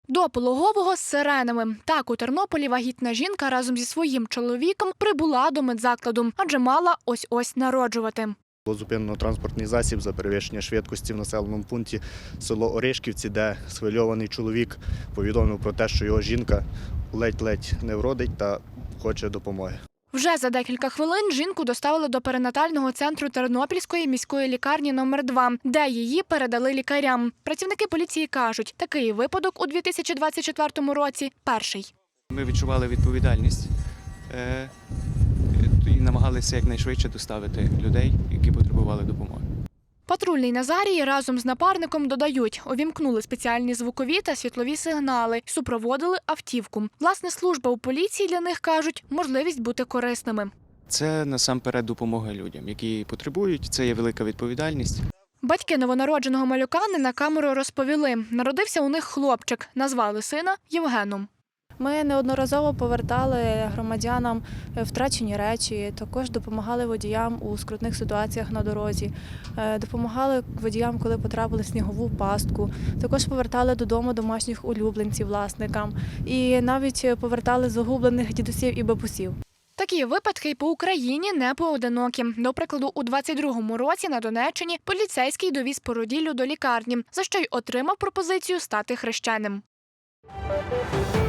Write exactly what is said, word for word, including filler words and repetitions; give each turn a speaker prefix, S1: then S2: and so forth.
S1: До пологового з сиренами. Так, у Тернополі вагітна жінка разом зі своїм чоловіком прибула до медзакладу, адже мала ось-ось народжувати.
S2: Було зупинено транспортний засіб за перевищення швидкості в населеному пункті село Оришківці, де схвильований чоловік повідомив про те, що його жінка ледь-ледь не вродить та хоче допомоги.
S1: Вже за декілька хвилин жінку доставили до перинатального центру Тернопільської міської лікарні номер два, де її передали лікарям. Працівники поліції кажуть, такий випадок у дві тисячі двадцять четвертому році – перший.
S3: Ми відчували відповідальність е, і намагалися якнайшвидше доставити людей, які потребували допомоги.
S1: Патрульний Назарій разом з напарником додають, увімкнули спеціальні звукові та світлові сигнали, супроводили автівку. Власне, служба у поліції для них, кажуть, можливість бути корисними.
S3: Це насамперед допомога людям, які потребують, це є велика відповідальність.
S1: Батьки новонародженого малюка не на камеру розповіли. Народився у них хлопчик, назвали сина Євгеном.
S4: Ми неодноразово повертали громадянам втрачені речі, також допомагали водіям у скрутних ситуаціях на дорозі, допомагали водіям, коли потрапили в снігову пастку, також повертали додому домашніх улюбленців власникам і навіть повертали загублених дідусів і бабусів.
S1: Такі випадки й по Україні не поодинокі. До прикладу, у двадцять другому році на Донеччині поліцейський довіз породіллю до лікарні, за що й отримав пропозицію стати хрещеним.